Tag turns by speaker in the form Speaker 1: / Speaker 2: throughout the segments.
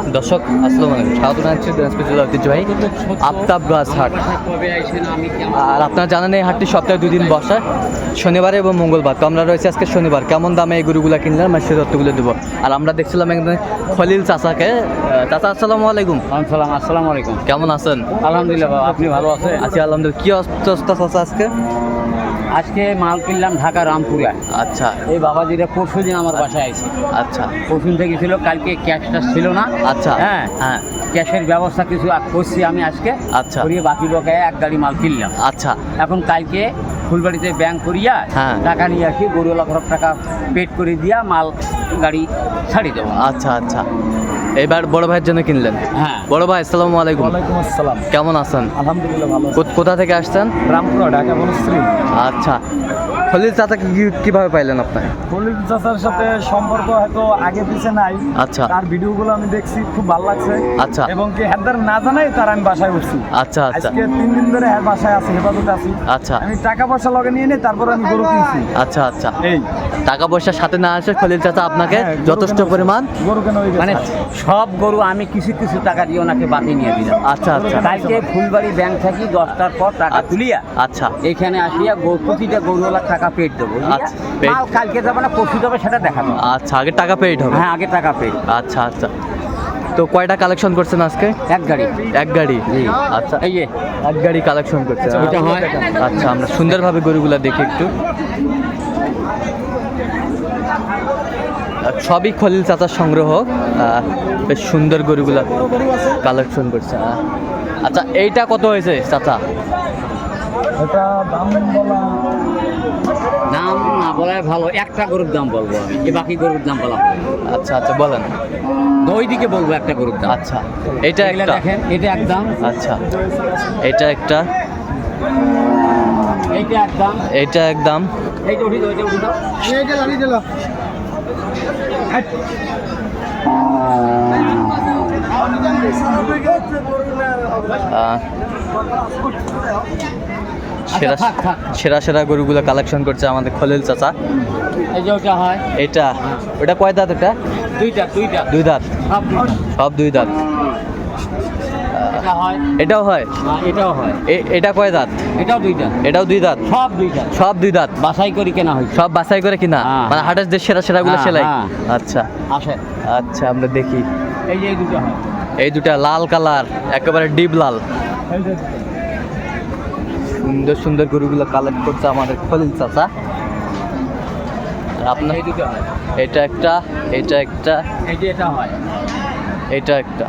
Speaker 1: দর্শক আসসালামু আলাইকুম, স্বাগত জানাচ্ছি দিনাজপুর জেলার ঐতিহ্যবাহী আফতাবগাছ হাট। আর আপনারা জানেন এই হাটটি সপ্তাহে 2 দিন বসে, শনিবার এবং মঙ্গলবার। তো আমরা রয়েছে আজকে শনিবার। কেমন দামে এই গরুগুলো কিনলাম আমি সেই তথ্যগুলো দেবো। আর আমরা দেখছিলাম একদম খলিল চাচাকে। চাচা আসসালামু আলাইকুম।
Speaker 2: আসসালামু আলাইকুম।
Speaker 1: কেমন আছেন?
Speaker 2: আলহামদুলিল্লাহ বাবা, আপনি ভালো আছেন?
Speaker 1: আছি আলহামদুলিল্লাহ। কি অবস্থা চাচা আজকে?
Speaker 2: আজকে মাল কিনলাম ঢাকা রামপুরা।
Speaker 1: আচ্ছা
Speaker 2: এই বাবাজিরা পরশু দিন আমার বাসায় আইছে।
Speaker 1: আচ্ছা
Speaker 2: পরশু থেকে ছিল, কালকে ক্যাশটা ছিল না।
Speaker 1: আচ্ছা
Speaker 2: হ্যাঁ
Speaker 1: হ্যাঁ
Speaker 2: ক্যাশের ব্যবস্থা কিছু করছি আমি আজকে।
Speaker 1: আচ্ছা
Speaker 2: করিয়ে বাকি বকায় এক গাড়ি মাল কিনলাম।
Speaker 1: আচ্ছা
Speaker 2: এখন কালকে ফুলবাড়িতে ব্যাংক করিয়া
Speaker 1: হ্যাঁ।
Speaker 2: টাকা নিয়ে আসি, গরুওয়ালা ঘর টাকা পেড করে দিয়া মাল গাড়ি ছাড়ি দেবো।
Speaker 1: আচ্ছা আচ্ছা এবার বড় ভাইয়ের জন্য কিনলেন?
Speaker 2: হ্যাঁ।
Speaker 1: বড় ভাই আসসালামু আলাইকুম।
Speaker 3: ওয়ালাইকুম আসসালাম।
Speaker 1: কেমন আছেন?
Speaker 3: আলহামদুলিল্লাহ ভালো।
Speaker 1: কোথা থেকে আসছেন?
Speaker 3: রামপুরা, ঢাকা বনশ্রী।
Speaker 1: আচ্ছা, খলিল চাচাকে কিভাবে পাইলেন আপনি?
Speaker 3: খলিল চাচার সাথে সম্পর্ক হয়তো আগে পিছে নাই।
Speaker 1: আচ্ছা
Speaker 3: তার ভিডিওগুলো আমি দেখছি, খুব ভালো লাগছে।
Speaker 1: আচ্ছা
Speaker 3: এবং কি হেদার না জানাই তার আমি বাসায় উঠছি।
Speaker 1: আচ্ছা আচ্ছা
Speaker 3: আজকে 3 দিন ধরে বাসায় আছি, হেফাজতে আছি।
Speaker 1: আচ্ছা
Speaker 3: আমি টাকা পয়সা লগে নিয়ে নিই, তারপর আমি গরু কিনছি।
Speaker 1: আচ্ছা আচ্ছা
Speaker 3: এই
Speaker 1: টাকা পয়সার সাথে না আসে খলিল চাচা আপনাকে
Speaker 3: হ্যাঁ, গরু
Speaker 1: যথেষ্ট
Speaker 3: কেনা হয়েছে।
Speaker 1: পরিমাণ
Speaker 3: গরু কেন
Speaker 2: মানে সব গরু আমি কিছু কিছু টাকা দিয়ে ওনাকে বাকি নিয়ে দিলাম।
Speaker 1: আচ্ছা আচ্ছা
Speaker 2: কালকে ফুলবাড়ি ব্যাংক থাকি 10টার পর টাকা তুলিয়া
Speaker 1: আচ্ছা
Speaker 2: এখানে আসিয়া প্রতিটা গরুওয়ালার টাকা পেড দেবো।
Speaker 1: আচ্ছা, paid।
Speaker 2: মাল কালকে যাবে না পরশু যাবে সেটা দেখাবো।
Speaker 1: আচ্ছা আগে টাকা পেইড হবে।
Speaker 2: হ্যাঁ আগে টাকা পেড।
Speaker 1: আচ্ছা আচ্ছা তো কয়টা কালেকশন করছেন আজকে?
Speaker 2: এক গাড়ি।
Speaker 1: এক গাড়ি?
Speaker 2: জি।
Speaker 1: আচ্ছা
Speaker 2: এই যে
Speaker 1: এক গাড়ি কালেকশন করছেন।
Speaker 2: ওইটা হয়।
Speaker 1: আচ্ছা আমরা সুন্দরভাবে গরুগুলা দেখি একটু। সবই খলিল চাচার সংগ্রহ। বেশ সুন্দর গরুগুলা কালেকশন করছে। আচ্ছা এইটা কত হয়েছে চাচা?
Speaker 3: এটা দাম বলা
Speaker 2: দাম না বলাই ভালো, একটা গরুর দাম বলবো আমি, এই বাকি গরুর দাম বলা হবে।
Speaker 1: আচ্ছা আচ্ছা বলেন।
Speaker 2: দুই দিকে বলবো একটা গরুর দাম।
Speaker 1: আচ্ছা এটা
Speaker 2: এগুলা
Speaker 1: একটা।
Speaker 2: দেখেন, এটা একদম,
Speaker 1: আচ্ছা এটা একটা,
Speaker 2: এইটা একদম,
Speaker 1: এটা একদম।
Speaker 2: এইটা উঠি দাও, এটা উঠি দাও।
Speaker 3: এইটা গাড়ি দিল।
Speaker 1: সেরা
Speaker 2: থাক, থাক।
Speaker 1: সেরা সেরা গরুগুলো কালেকশন করছে আমাদের খলিল চাচা।
Speaker 2: এই যে ওটা হয়
Speaker 1: এটা ওটা কয় দাঁত? এটা
Speaker 2: দুইটা, দুইটা,
Speaker 1: দুই দাঁত।
Speaker 2: সব দুইটা।
Speaker 1: সব দুই দাঁত।
Speaker 2: এটা হয়,
Speaker 1: এটাও হয়?
Speaker 2: এটাও হয়,
Speaker 1: এটা কয় দাঁত?
Speaker 2: এটাও দুইটা,
Speaker 1: এটাও দুই দাঁত।
Speaker 2: সব দুইটা।
Speaker 1: সব দুই দাঁত।
Speaker 2: বাছাই করি কেনা হয়েছে।
Speaker 1: সব বাছাই করে কিনা?
Speaker 2: হ্যাঁ।
Speaker 1: মানে হাটের যে সেরা সেরাগুলো
Speaker 2: হ্যাঁ,
Speaker 1: সেলাই?
Speaker 2: হ্যাঁ।
Speaker 1: আচ্ছা
Speaker 2: আসে
Speaker 1: আচ্ছা আমরা দেখি।
Speaker 2: এই যে এই দুটো হয়।
Speaker 1: এই দুটা লাল কালার, একেবারে ডিপ লাল।
Speaker 3: এই যে
Speaker 1: সুন্দর সুন্দর গরুগুলো কালেক্ট করছে আমাদের খলিল চাচা। আর আপনার
Speaker 2: এই দুটো হয়।
Speaker 1: এটা একটা, এটা একটা,
Speaker 2: এই যে এটা হয়।
Speaker 1: এটা একটা।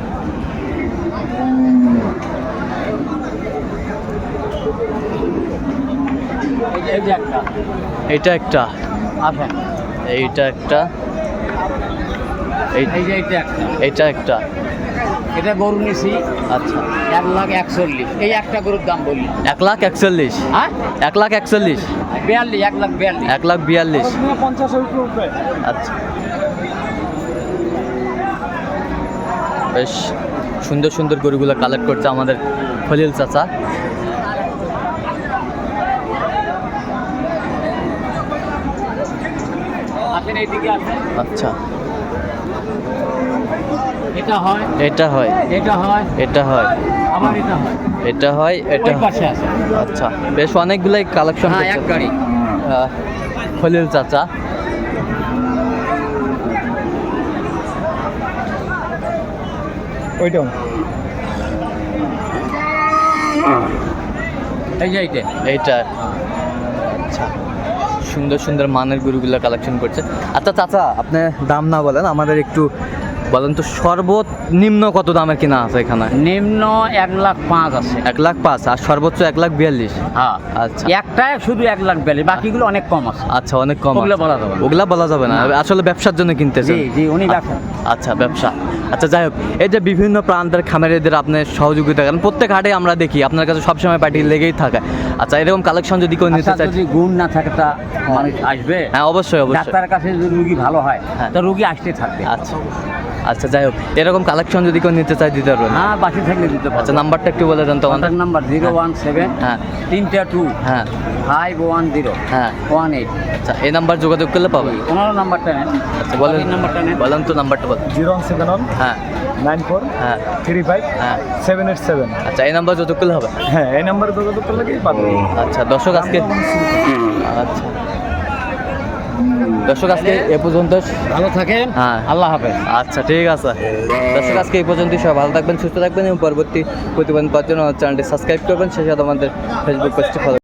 Speaker 2: এই যে একটা
Speaker 1: এটা একটা,
Speaker 2: আসে।
Speaker 1: এইটা একটা,
Speaker 2: এই যে এটা একটা,
Speaker 1: এটা একটা।
Speaker 2: এটা গরু নিছি
Speaker 1: আচ্ছা
Speaker 2: 1,41,000। এই একটা গরুর দাম বলি।
Speaker 1: 1,41,000?
Speaker 2: হ্যাঁ
Speaker 1: 1,41,000?
Speaker 2: 42, 1,42,000।
Speaker 1: 1,42,000?
Speaker 3: 50-এর উপরে উঠবে।
Speaker 1: আচ্ছা বেশ সুন্দর সুন্দর গরুগুলো কালেক্ট করছে আমাদের খলিল চাচা।
Speaker 2: আসেন এইদিকে আসেন।
Speaker 1: আচ্ছা
Speaker 2: এটা হয়,
Speaker 1: এটা হয়,
Speaker 2: এটা হয়,
Speaker 1: এটা হয়,
Speaker 2: আবার এটা হয়।
Speaker 1: এটা হয়, এটা
Speaker 2: ওই পাশে আছে।
Speaker 1: আচ্ছা বেশ অনেকগুলাই কালেকশন
Speaker 2: হ্যাঁ
Speaker 1: করছে
Speaker 2: এক গাড়ি।
Speaker 1: খলিল চাচা।
Speaker 3: ওইটাও
Speaker 2: এই যে এইটা।
Speaker 1: এইটা আচ্ছা সুন্দর সুন্দর মানের গরুগুলো কালেকশন করছে। আচ্ছা চাচা আপনি দাম না বলেন, আমাদের একটু বলেন তো সর্বনিম্ন কত দামের কিনা আছে এখানে?
Speaker 2: নিম্ন 1,05,000 আছে।
Speaker 1: 1,05,000 আর সর্বোচ্চ 1,42,000?
Speaker 2: হ্যাঁ
Speaker 1: আচ্ছা
Speaker 2: একটাই শুধু 1,42,000, বাকিগুলো অনেক কম আছে।
Speaker 1: আচ্ছা অনেক কম
Speaker 2: ওগুলা
Speaker 1: আছে।
Speaker 2: বলা যাবে না।
Speaker 1: ওগুলা বলা যাবে না, আসলে ব্যবসার জন্য কিনতেছেন?
Speaker 2: জি জি উনি ব্যবসা।
Speaker 1: আচ্ছা ব্যবসা। আচ্ছা যাই হোক, এই যে বিভিন্ন প্রান্তের খামারিদের আপনি সহযোগিতা করেন, প্রত্যেক হাটে আমরা দেখি আপনার কাছে সবসময় পার্টি লেগেই থাকে। আচ্ছা এরকম কালেকশন যদি কেউ নিতে
Speaker 2: আচ্ছা,
Speaker 1: চায়?
Speaker 2: যদি গুণ না থাকে তা মানুষ আসবে।
Speaker 1: হ্যাঁ অবশ্যই অবশ্যই।
Speaker 2: ডাক্তারের কাছে যদি রুগী ভালো হয়
Speaker 1: হ্যাঁ।
Speaker 2: তা রুগী আসতে থাকবে।
Speaker 1: আচ্ছা আচ্ছা যাই হোক, এরকম কালেকশন যদি কেউ নিতে চায় দিতে পারবেন?
Speaker 2: হ্যাঁ, বাকি থাকলে দিতে পারবো।
Speaker 1: আচ্ছা নাম্বারটা একটু বলে দেন তো আমাদের।
Speaker 2: কন্ট্যাক্ট নাম্বার 017
Speaker 1: হ্যাঁ
Speaker 2: 3
Speaker 1: হ্যাঁ
Speaker 2: 510
Speaker 1: হ্যাঁ
Speaker 2: 18।
Speaker 1: আচ্ছা এই নাম্বার যোগাযোগ করলে পাবেন।
Speaker 2: ওনার নাম্বারটা নেন।
Speaker 1: আচ্ছা বলেন,
Speaker 2: বাকির নাম্বারটা নেন।
Speaker 1: বলেন তো নাম্বারটা বলেন।
Speaker 3: 071
Speaker 1: হ্যাঁ
Speaker 3: 94
Speaker 1: হ্যাঁ
Speaker 3: 35
Speaker 1: হ্যাঁ
Speaker 3: 787।
Speaker 1: আচ্ছা এই নাম্বার যোগাযোগ করলে হবে।
Speaker 3: হ্যাঁ, এই নাম্বারে যোগাযোগ করলে কি পাবেন।
Speaker 1: আচ্ছা দর্শক আজকে আচ্ছা দর্শক আজকে এ পর্যন্ত।
Speaker 2: ভালো থাকেন।
Speaker 1: হ্যাঁ
Speaker 2: আল্লাহ হাফেজ।
Speaker 1: আচ্ছা ঠিক আছে দর্শক আজকে এই পর্যন্তই। সবাই ভালো থাকবেন, সুস্থ থাকবেন এবং পরবর্তী প্রতিবেদন পাওয়ার জন্য চ্যানেলটি সাবস্ক্রাইব করবেন, সেই সাথে আমাদের ফেসবুক পেজটি ফলো